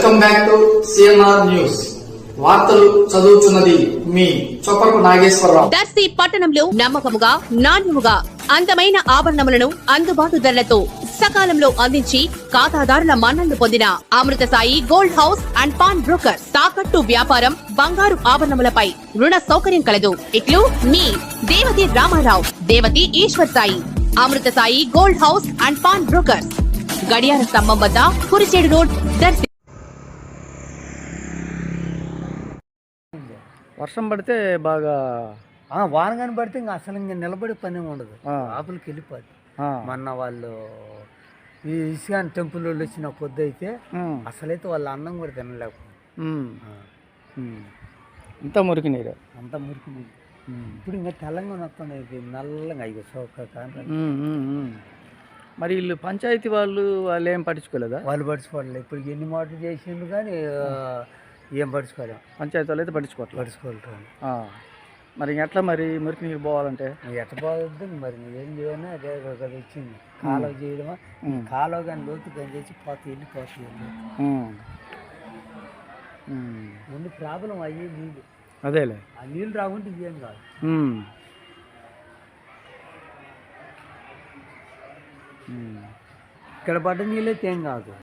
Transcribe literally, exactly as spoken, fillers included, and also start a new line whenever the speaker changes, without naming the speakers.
Welcome back to CMR news. వార్తలు చదువుతున్నది మీ చొప్పరపు నాగేశ్వరరావు.
దర్శి పట్టణంలో నమ్మకముగా నాణ్యముగా అందమైన ఆభరణములను అందుబాటు ధరలతో సకాలంలో అందించి ఖాతాదారుల మన్ననలు పొందిన Amrutha Sai gold house and pawn broker. తాకట్టు వ్యాపారం, బంగారు ఆభరణములపై రుణ సౌకర్యం కలదు. ఇట్లు మీ Devathi Ramarao, Devathi Eshwar Sai. Amrutha Sai gold house and pawn broker, గడియార స్తంభం వద్ద కురిచేడు రోడ్, దర్శి.
వర్షం పడితే బాగా
వాన కానీ పడితే ఇంకా అసలు ఇంకా నిలబడే పని ఉండదు, ఆపులకి వెళ్ళిపోద్ది. మొన్న వాళ్ళు ఈ ఇస్కాన్ టెంపుల్ వాళ్ళు వచ్చిన కొద్ది అయితే అసలైతే వాళ్ళ అన్నం కూడా తినలేకపోయింది.
అంతా మురికి నీరు,
అంతా మురికి నీరు. ఇప్పుడు ఇంకా తెలంగాణ వస్తుంది నల్లగా ఇక సోక.
మరి వీళ్ళు పంచాయతీ వాళ్ళు వాళ్ళు ఏం పట్టించుకోలేదా?
వాళ్ళు పట్టించుకోవాలి. ఇప్పుడు ఎన్ని మాటలు చేసిండు కానీ ఏం పట్టించుకోలేము.
పంచాయతీ వాళ్ళు అయితే పట్టించుకోవాలి
పట్టించుకోవాలి
మరి ఎట్లా మరి మురికి నీరు పోవాలంటే
ఎట్ట పోవద్దు మరి ఏం చేయాలి. అదే కదా వచ్చింది కాలువ చేయడమా, కాలువ కానీ లోతు కానీ చేసి పోతే వెళ్ళిపోతుంది. ముందు ప్రాబ్లం అయ్యే నీళ్ళు,
అదేలే
ఆ నీళ్ళు రాకుంటే ఏం కాదు. ఇక్కడ పడ్డ నీళ్ళు అయితే ఏం కాదు.